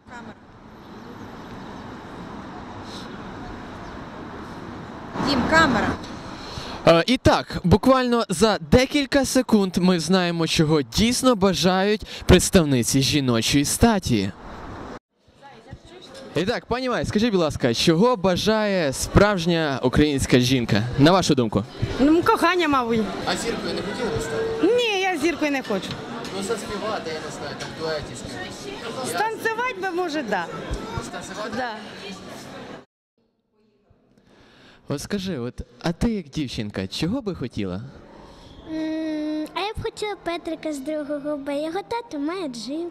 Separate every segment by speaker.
Speaker 1: Камера. Дім, камера.
Speaker 2: І так, буквально за декілька секунд ми знаємо, чого дійсно бажають представниці жіночої статі. І так, пані Май, скажіть, будь ласка, чого бажає справжня українська жінка, на вашу думку?
Speaker 3: Ну, кохання, мабуть.
Speaker 2: А зіркою не хотіли би стати?
Speaker 3: Ні, я зіркою не хочу.
Speaker 2: Ну, заспівати, я не знаю, там дуеті.
Speaker 3: Станцювати би, може, да.
Speaker 2: Станцювати?
Speaker 3: Да.
Speaker 2: От скажи, а ти як дівчинка, чого би хотіла?
Speaker 4: А я б хотіла Петрика з другого Б. Його тато має джип.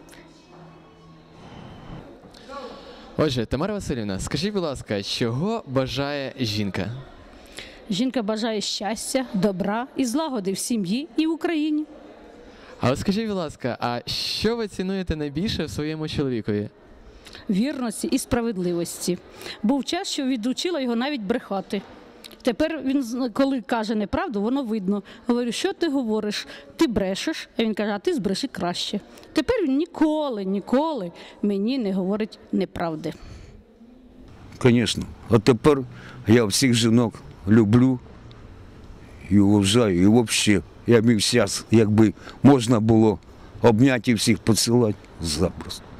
Speaker 2: Отже, Тамара Василівна, скажіть, будь ласка, чого бажає жінка?
Speaker 5: Жінка бажає щастя, добра і злагоди в сім'ї і в Україні.
Speaker 2: А от скажіть, будь ласка, а що ви цінуєте найбільше в своєму чоловікові?
Speaker 5: Вірності і справедливості. Був час, що відучила його навіть брехати. Тепер він, коли каже неправду, воно видно. Говорю, що ти говориш? Ти брешеш, а він каже, а ти збреши краще. Тепер він ніколи мені не говорить неправди.
Speaker 6: Звісно. А тепер я всіх жінок люблю і вважаю. І взагалі, я б зараз, якби можна було обняти і всіх поцілувати, запросто.